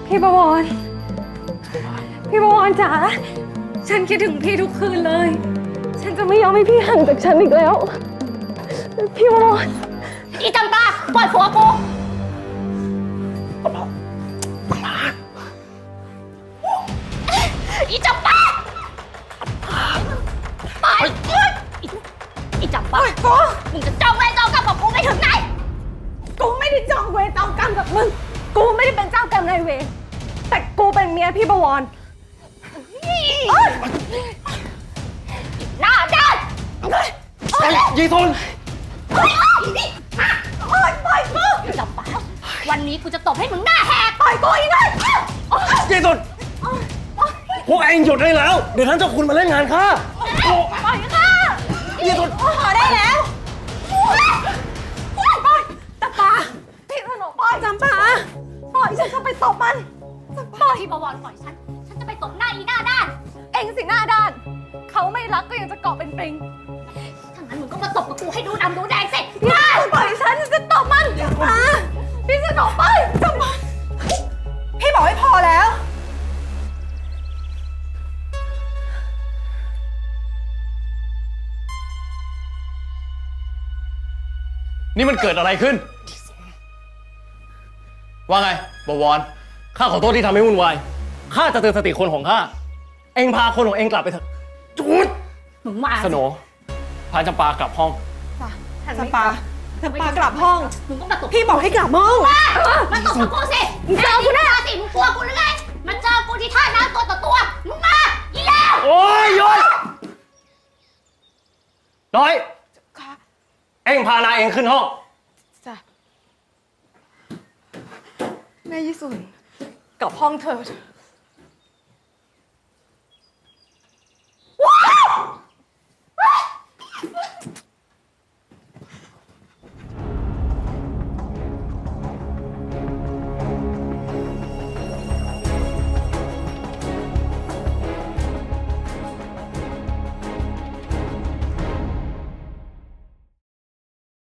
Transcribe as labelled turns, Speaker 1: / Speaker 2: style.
Speaker 1: พี่ประวรพี่ประวรจ๋าฉันคิดถึงพี่ทุกคืนเลย ฉันจะไม่ยอมให้พี่ห่างจากฉันอีกแล้ว พี่ประวร
Speaker 2: อีจำปาปล่อยผัวกูอีจำปาปล่อยอีจำปากูมึงจะจ้องเวรจ้องกรรมกับกูไม่ถึงไหน
Speaker 1: กูไม่ได้จองเวรจองกรรมกับมึงกูไม่ได้เป็นเจ้ากรรมนายเวรแต่กูเป็นเมียพี่ประวร
Speaker 2: หน้าด้าน
Speaker 3: ยีทน
Speaker 2: ปล่อยกูจำปาวันนี้กูจะตบให้มึงหน้าแหกปล่อยกูอีกเลย
Speaker 3: ยีทนพวกเองหยุดได้แล้วเดี๋ยวท่านเจ้าคุณมาเล่นงานข้า
Speaker 2: ปล่อยค่ะ
Speaker 3: ยีทน
Speaker 1: พอได้แล้วปล่อยตะปาพี่ถนอมปล่อยจำปาปล่อยฉันจะไปตบมัน
Speaker 2: ปล่อยพี่บวรปล่อยฉันจะไปตบหน้าอีหน้าด้าน
Speaker 1: เอ็งสิหน้าด้านเขาไม่รักก็ยังจะเกาะเป็นปริง
Speaker 2: ถ้างั้นมึงก็มาตบกับกูให้ดูดำดูแดงสิ
Speaker 1: ปล่อยฉันจะตบมันพี่ถนอมปล่อยจำปาพี่บอกให้พอแล้ว
Speaker 3: นี่มันเกิดอะไรขึ้นว่าไงบวรข้าขอโทษที่ทำให้วุ่นวายข้าจะเตือนสติคนของข้าเอ็งพาคนของเอ็งกลับไปเถอะจุด
Speaker 2: มึงมา
Speaker 3: สโหนพาจำปากลับห้อง
Speaker 1: จำปากลับห้อง
Speaker 2: มึงก็มาตบ
Speaker 1: พี่บอกให้กลับห้อง
Speaker 2: มาตบกับกูสิมึงเจอกูแน่สิมึงกลัวกูหรือไงมาเจอกูที่ท่าน้ำตัวต่อตัวมึงมาอีแล้ว
Speaker 3: โอ้ยหยุดน้อยเอ็งพานายเองขึ้นห้อง
Speaker 1: จ้ะแม่ยี่สุนกลับห้องเถิด